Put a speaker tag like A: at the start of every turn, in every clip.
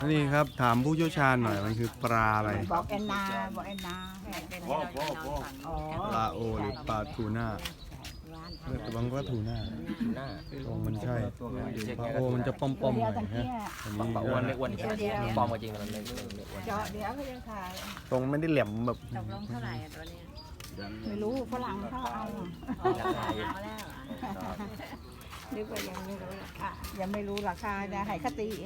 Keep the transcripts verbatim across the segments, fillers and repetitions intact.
A: นี่ครับถามผู้เชี่ยวชาญหน่อยมันคือปลาอะไร
B: บอกแอนนาบอกแอนนาอ๋อ
A: ปลาโอหรือปลาทูน่าแต่บางก็ทูน่า
C: หน้า
A: ตรงมันใช่ปลาโอมันจะป้อมๆหน่อยนะอันนี้
C: ปลาอ้วนไม่อ้วนปลอมจริงมันไม่ไม่อ้วน
B: เจาะเดี๋ยวเขาจะขาย
A: ตรงไม่ได้แหลมแบบ
D: ตกลงเท่าไหร่อะตัวเนี้ย
B: ไม่รู้ฝรั่งเขาเอา
D: ราคาเอาแล้ว
B: นึกว่ายังไม่รู้ราคายังไม่รู้ราคาจะให้คตีเอง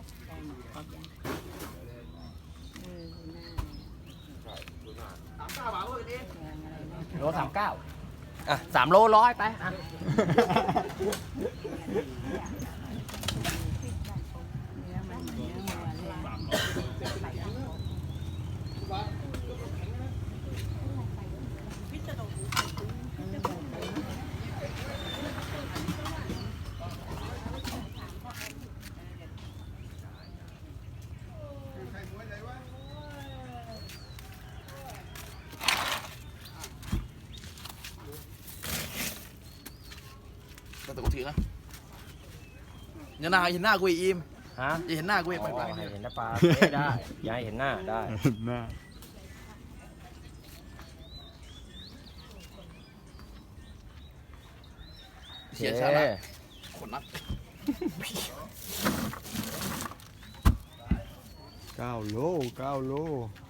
C: โลสามเก้าอ่ะสามโลร้อยไปอ่ะ
E: แต่กูถือนะอย่าหน้าเห็นหน้ากูอีกอิม
C: ฮะ
E: อย่าเห็นหน้ากูอีกไปไป
C: ให้เห็นหน้าปลาได้ย้ายเห็นหน้าได้
A: หน้า
E: เสียชาละคนนัก
A: เก้าโลเก้าโล